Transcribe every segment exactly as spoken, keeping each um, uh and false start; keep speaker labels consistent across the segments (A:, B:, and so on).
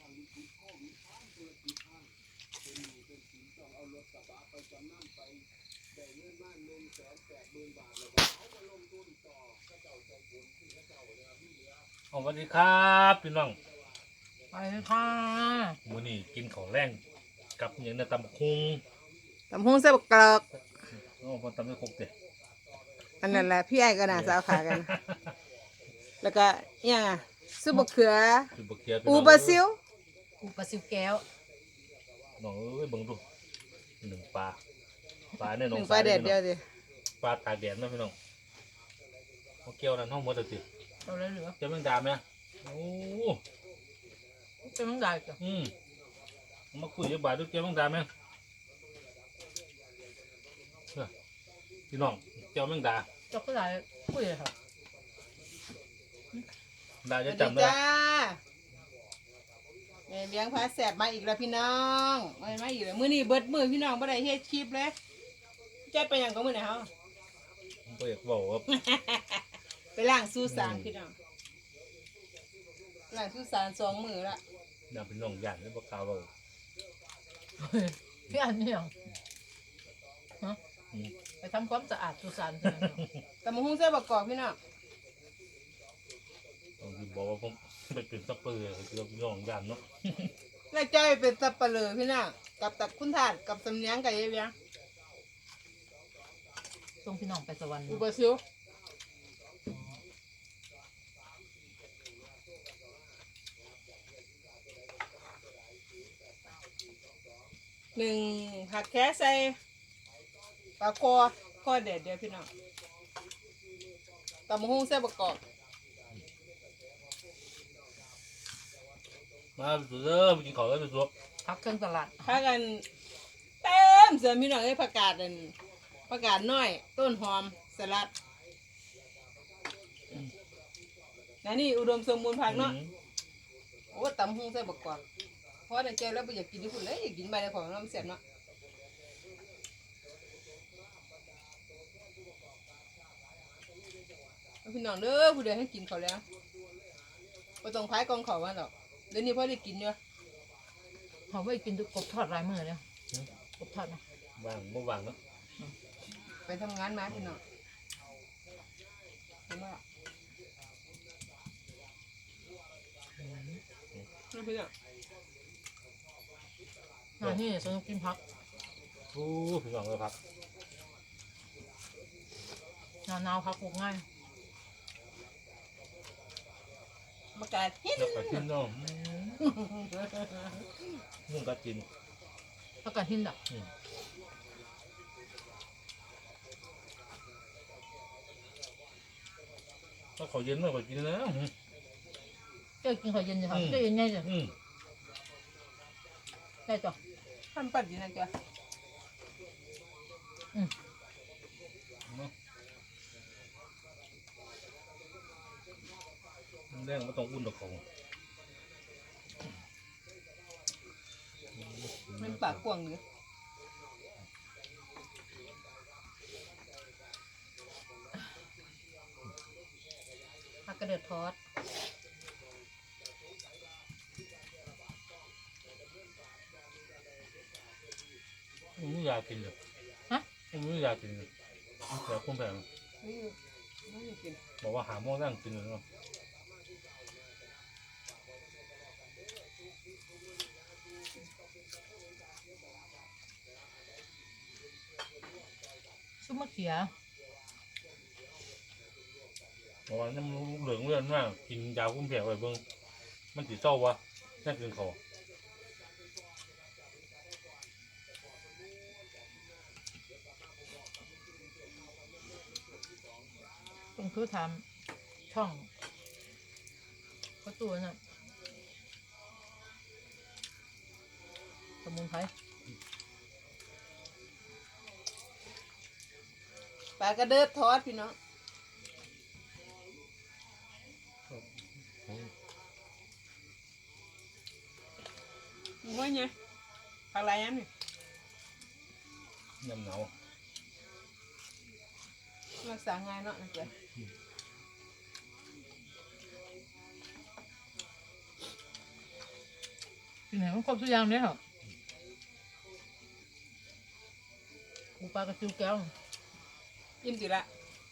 A: สวัสดีครับพี่น้อง
B: ไปค่ะ
A: มื้อนี้กินของแรงกับอย่างในตำบักหุ่ง
B: ตำพุงเส้นบกกรอก
A: โอ้พอตำไม่ครบเด็ด
B: อันนั้นแหละพี่ไอ้ก็น่าสาวขากัน แล้วก็ยังอ่ะซุปบะเขือ
A: คือบะเขีย
B: อูบาซิล
C: อูปลาซิวแก้ว
A: น้องเอ้ยเบิ่งดูหนึ่งปลาปลาเนี่ย
B: ห
A: น้อง
B: นึ่งปลาเด็ดเดียวดิ
A: ปลาตากแดดนะพี่น้องเขาเกี่ยวนั่นห้องหมดเลยสิ
C: เราเลยเหลือ
A: เจ้าแมงดาไหมโอ้
C: เป็นมังได้จ้ะ
A: อืมมาคุยกับบาทด้วยเจ้าแมงดาไหมพี่น้องเจ้าแมงดา
C: เจ้าก็ได้คุยเลยค่ะ
A: ดาจะจำได้
B: จ้าแม่เลี้ยงพาแสบมาอีกแล้วพี่น้องมามาอีกแล้วมื้อนี้เบิดมื้อพี่น้องบ่ได้เฮ็ดคลิปเลยใจไปหยังก็มื้อไหนเฮา
A: ผมก็อยากบอกว่า
B: ไปล้างสุสานพี่น้องล้างสุสานสองมื้อละ
A: ดาเป็นน้องยันแล้วบอกกล่าวเรา
C: พี่อันนี่หรอฮะ
A: อืม
C: ไปทำความสะอาดสุสานใช่ไหม
B: ตำพุงเส้นบกกรอกพี่น้อง
A: ต้องที่บอกว่าผมไปเป็นซัพเปอร์เกี่ยวกับน้องยันเนาะ
B: แล้วจ้อยเป็นสับปะเลอพี่น้องกับตักคุณทาสกับสำเนียงกับยายเวียง
C: ส่งพี่น้องไปสวรรค์
B: อูบาซิลหนึ่งผักแค่ใส่ปลาคอคอเด็ดเดียวพี่น้องตำมะฮุ่งเส้นประกอบ
A: มาสุดเด้อไปกินข้าวแล้วไปสุด
C: พักเครื่องตลาด
B: พากันเต็มเสือพี่น้องไอ้ยผักกาดนั่นผักกาดน้อยต้นหอมสลัดนั่นนี่อุดมสมบูรณ์ผักเนาะ โอ้ตำหุ้งใส่บักกวาดเพราะในใจแล้วไปอยากกินที่คุณเลยอยากกินใบในของน้ำเสียบเนาะพี่น้องเด้อผู้ใดให้กินเขาแล้วไม่ต้องพายกองเขาว่าหรอกเดี๋ยวนี้พ่อได้กินเยอะ
C: เขาไม่กินทุกกบทอดลายมือเลยกบทอดนะ
A: ว่างบ่ว่างเนาะ
B: ไปทำงานมาพี่น้องเห็นไหมล่ะนี่พี่น้อง
C: งานนี่สนุกกินพัก
A: โอ้พี่น้องเลยครับ
C: หนาวหนาวพักปลูกง่าย
B: มากาดฮิต
A: แล้วก็กินเนาะนุ่งก็กิน
C: พักกันหินดัก
A: ถ้าเขาเย็นมากกว่ากินแล้ว
C: เจ้ากินข้าวเย็นจ้ะค่ะเจ้าเย็นไงจ้ะ
A: อืม
C: ได้จ้ะ
B: ทำปัดดีนะจ๊ะ
A: แรงไม่ต้องอุ่นหรอกเขา
B: มันปากกว้างเลย
C: พักกระเดือดทอด
A: ผมไม่อยากกินเลย
C: ฮะ
A: ผมไม่อยากกินเลยอยากคุ้มแพง
B: นี่ไม่ได้กิน
A: บอกว่าหาโมงนั่งกินเลยเนาะ
C: ซุปมะเขือ
A: บอกว่าน้ำลูกเหลืองเลื่อนมากกินยาคุ้มแพงไปเบิ่งมันติดเศร้าวะนั่งกินเขา
C: ต้องคือทำช่องประตูน่ะสมุนไพร
B: ปลากระเดิดทอดพี่น้องมึงว่าไงผักอะไรยังนี่
A: ยำหนาว
B: รักษาง่ายเนาะนะจ๊ะ
C: กินไหนมันครบทุกอย่างเลยเหรอปูปลากระซิวแก้ว
B: ยิ้มดีละ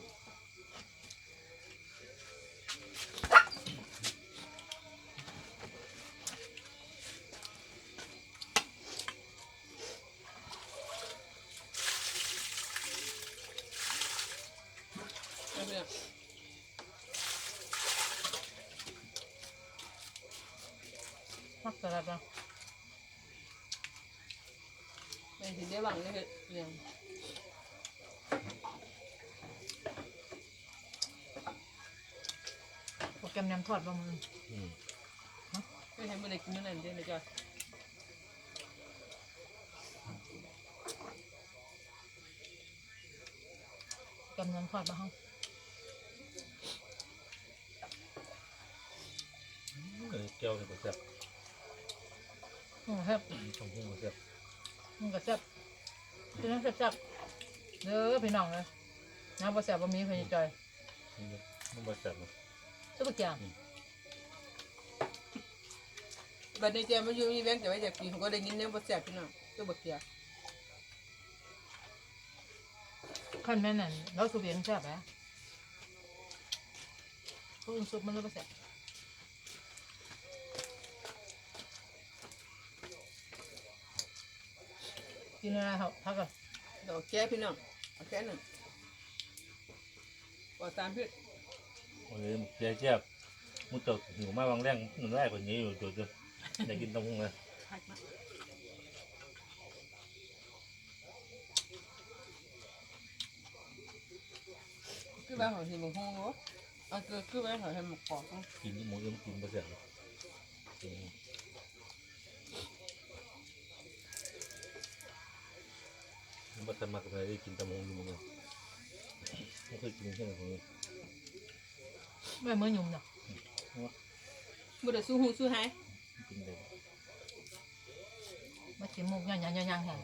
B: เอาเนี่ย
C: มักสลัดอ่ะ
B: ไม่ถึงได้หวังเลยเนี่ย
C: โปรแกรมยำทอดบะมือ
A: อืม
B: ไม่ให้มันได้กินนั่นเด้นะจ๊ะ
C: โปรแกรมยำทอดบะห้อง
A: เออแก้วนี่ก็แซ่บ
C: อืมครับ
A: ทำพุ่งก็แซ่บ
C: มันก็แซ่บคือน้ำแซ่บๆเด้อพี่น้องเลยน้ำปลาแซ่บปลามีเพื่อนจอย
A: นี่มันบ่แซ่บเนาะ
C: ทุกอย่าง
B: บัดนี้เจ้ามาอยู่นี่แบงค์จะไว้จากปีเขาก็ได้ยินเนี่ยบ่แซ่บพี่น้องตัวบักเกีย
C: ขั้นแม่นั่นเราสูบเองแซ่บไหมพวกอื่นสูบมันเลยปลาแซ่บกินอะไรครับพักก่อน
B: ดอกแก้พี่น้องเอาแค่หนึ่งปอดตามพี่
A: โอ้ยแซ่บแซ่บมุดตกหิวมากบางแรงหนึ่งแรกกว่านี้อยู่จุดๆได้กินตำพุ่งเลย
B: หักมาคือบ้านของที่บางห้องเนาะเอาคือคือบ้านของที่หมกกอกเนาะ
A: กินหมูยังกินบ่แซ่บเลยกินมันบ่สมัครอะไรได้กินตำพุ่งอยู่มั้งไม่เคยกินแค่ไหนของนี้
C: ไม่เหมื่อนยุ่มเนาะ
B: บ่ได้สู้หูสู้หาย
A: กินได้
C: มาชิมมุกย่างย่างย่างย่างแห้ง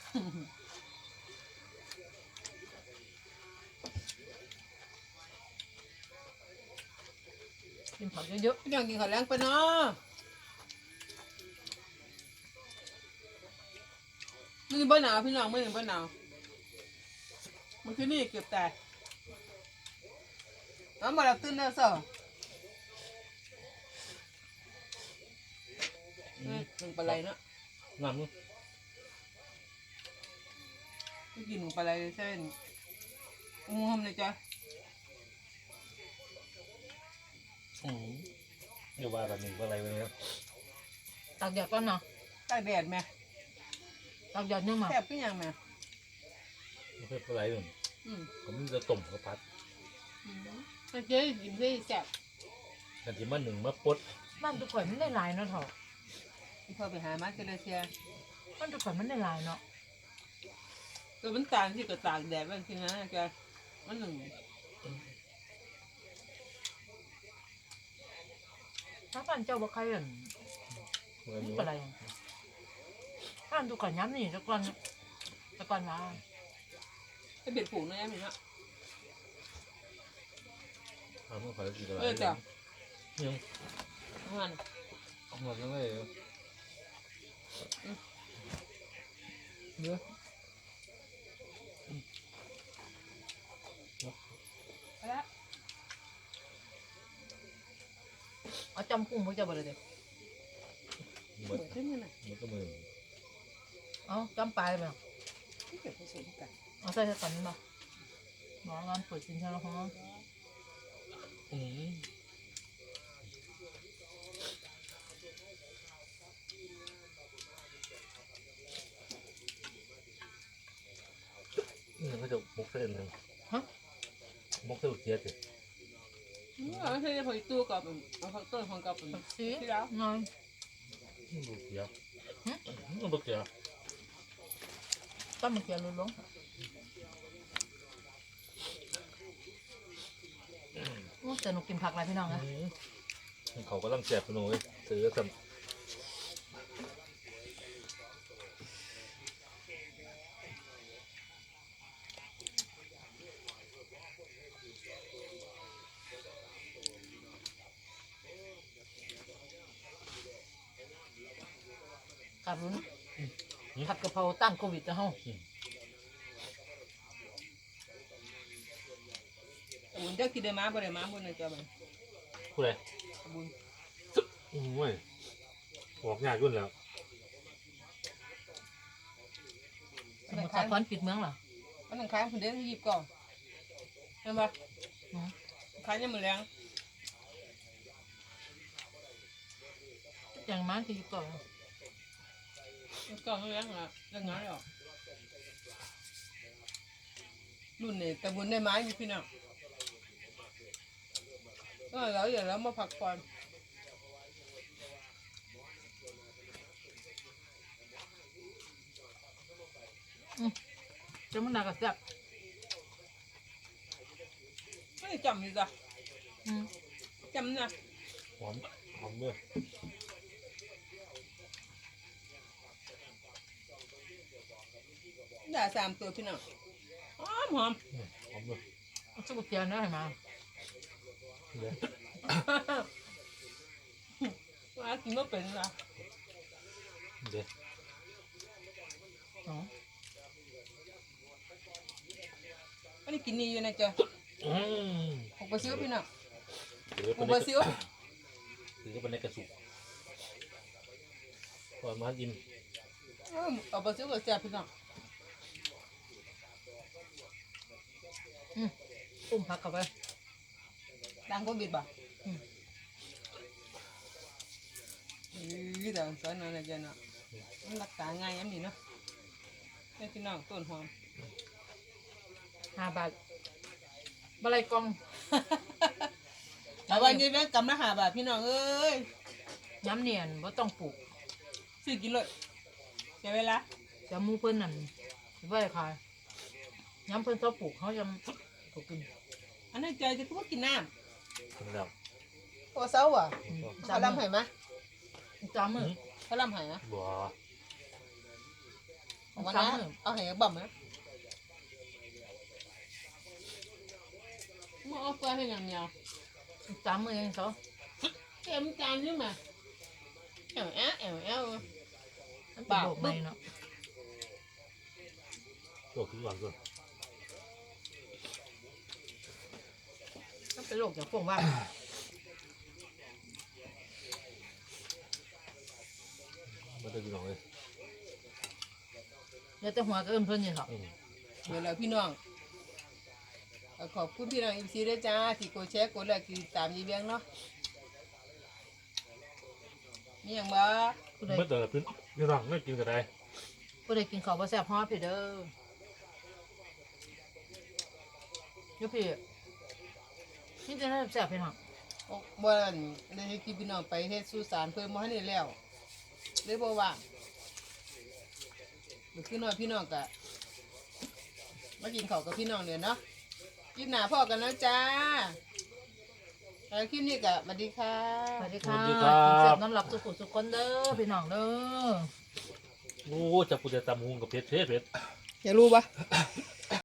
C: กินผักเยอะ
B: พี่น้องกินข้าวแรงไปเนาะมันบ่หนาวพี่น้องมันบ่หนาวมันคือนี่เกือบตายเอามารับตื่นแล้วซะเอ้ยมันปลาไหลเนาะ
A: น้ำนี่
B: ไม่กินปลาไหลเส้นงูหอมเลยจ้ะ
A: อืมเดี๋ยวว่ากันหนึ่งอะไรไปเนี่ย
C: ๆตากแดดก่อนเนาะ
B: ตากแดดแม่
C: ตากแดดยังมา
B: แซ่บขึ้นยังแม่
A: ไม่ใช่อะไรหนึ่ง
B: อืม
A: ผมจะต้มข้าวผัด
B: ถ้าเจ๊กินได้แซ่บ
A: กันที่มาหนึ่งมาปด
C: บ้านทุกคนมันได้หลายเนาะเถอะ
B: ที่เขาไปหามาเจริญเชีย
C: บ้านทุกคนมันได้หลายเนาะ
B: ตัวมันต่างที่ก็ตากแดดบางทีนะจ้ะมันหนึ่ง
C: ถ้าบ้านเจ้าบ่ใครอ่ะ
A: เมื่อ
C: นี่
A: นี้
C: เป็นไรบ้านทุกคนย้ำนี่แตะกอนแตะกอนมา
B: ให้เบ็ดผูกนะยังมีเนาะ
A: ทำเมื่อขายกี่ตัว
B: เออจ้ะ
A: ยัง
B: มัน
A: หมดแล้วเลยเยอะ
B: ไปแล้ว
C: เอาจำกุ้งพวกเจ้าบ่ได้เด้
A: หม
B: เบิ
A: ด
B: ดขึ้นมาหน่อย
A: หมดก็มือ
C: เอาจำปลายไป
B: ที่เกิดผสมกัน
C: เอาใส่ใส่กันนี่มาหมองานเปิดสินค้าแล้วของ
A: อืมนี่เขาจะมกเส้นหนึ่ง
C: ฮะ
A: มกเส้นเทียดสิ
B: เอาใช่พอตู้กับเอาผักต้นของกับ
C: ผักชี
B: ที่แล้ว
C: น้อย
A: ลูกเทียดลูกเทียด
C: ต้นมะเขือลุลงโอ้แต่หนูกินผักอะไรพี่น้องนะ
A: เขาก็ต้องแจกขนมซื้อสัม
C: กับรุ้นผัดกะเพราต้านโควิดนะเฮา
B: บุญเจ้ากินได้มาบ่ได้มาบุญนะจ๊ะบัด
A: ผู้ใด
B: บุญ
A: อืมเว้ยออกยากยุ่นแล้ว
C: สมุทรสาครปิดเมืองเหรอ
B: มันต้องขายคนเดียวที่หยิบก่อนเห็นปะ
C: อืม
B: ขายยังมือแรง
C: อย่างมันคืออยู่ก่อน
B: ก่อนมือแรงอ่ะเรื่องน้อยหรอกรุ่นนี้แต่บุญได้ไม้อยู่พี่น้องก็แล้วเดี๋ยวเรามาพักผ่อน
C: จะมันหนักกับแซ่บ
B: ไม่ได้จำอยู่จ้ะ
C: อืม
B: จำนะ
A: หอมหอมด้วย
B: ด่าสามตัวพี่น้องหอมหอม
A: อืมหอมด้วย
C: เอาสุกเทียนได้ไหม
A: เดี๋ยว
B: ว่ากินไม่เป็นละ
A: เดี๋ยว
C: อ๋อ
B: อันนี้กินนี่อยู่นะจ๊ะ
A: อืม
B: หกปลาซิวพี่น้อง
A: เดี๋ยว
B: ห
A: เป็
B: ก
A: น
B: ป
A: ใน
B: ลาซิว
A: หรือเป็นในกระสุกก่อนมากิน
B: เออเอาปลาซิวกับแซ่บพี่น้อง
C: อืมอุ้มผักเข้าไป
B: ดังโควิดบ่
C: อืม
B: นี่แต่สอนอะไรจ๊ะเนาะมันรักษาง่ายยังดีเนาะให้พี่น้องต้นหอม
C: ห้าบาทบะไรกอง
B: แต่วันนี้แม่งกำละหาบาทพี่น้องเอ้ย
C: ย้ำเนียนว่าต้องปลูก
B: ซื้อกินเลยเสียเวลา
C: จะมูเพิ่นนั่นไว้ขายย้ำเพิ่นชอบปลูกเขาจะปลูกกิน
B: อันนั้นใจจะพูดกินน้
A: กินแล้ว
B: ำโอ้เศร้าอ่ะ
C: อืม
B: เขาลำไห้มะ
C: จำมือ
B: เขาลำไห้นะ
A: บัว
B: เอาวันนั้นเอาไห้บ่มนะมาเอาเฟือให้อย่างเดียว
C: จำมือเองเขา
B: เอ็มจานนี่มาแอวแอวแอวแอว
C: มันเป็นโรคใหม่เนาะ
A: โลกคือก่อนก่อน
C: มันเป็นโรคจากพวกว่า
A: มันจะกินหน่อยเลย
C: เดี๋ยวแต่หัวก็เอิ้นเพิ่นนี่เหรอ
A: อืม
B: เดี๋ยวเราพี่น้องขอบคุณพี่น้องอิมซีด้วยจ้าที่กดแชร์กดไลค์ติดตามยีเบียงเนาะมีอย่างบ้า
C: ผู้ใด
A: เมื่อแต่พี่พี่น้องไม่กินกันได้
C: ผู้ใดกินข้าวบ่แซ่บฮอดพี่เด้อเดี๋ยวพี่นี่จะได้แซ่บพี่น้อง
B: บ่อนได้ให้พี่น้องไปเฮ็ดสุสานเพิ่มมาให้ได้แล้วเลยบ่ว่างเดี๋ยวพี่น้องพี่น้องกะมากินข้าวกับพี่น้องเดี๋ยวเนาะคลิปหน้าพ่อกันแล้วจ้าแล้วคลิปนี้กะสวัสดีค่ะ
C: สวัสดีค่ะกินแซ่บน้ำหลับสุขุสุขคนเด้อพี่น้องเด้อ
A: โอ้จะพูดจะตำหุงกับเพชรเพชรเพชร
B: อยากรู้ปะ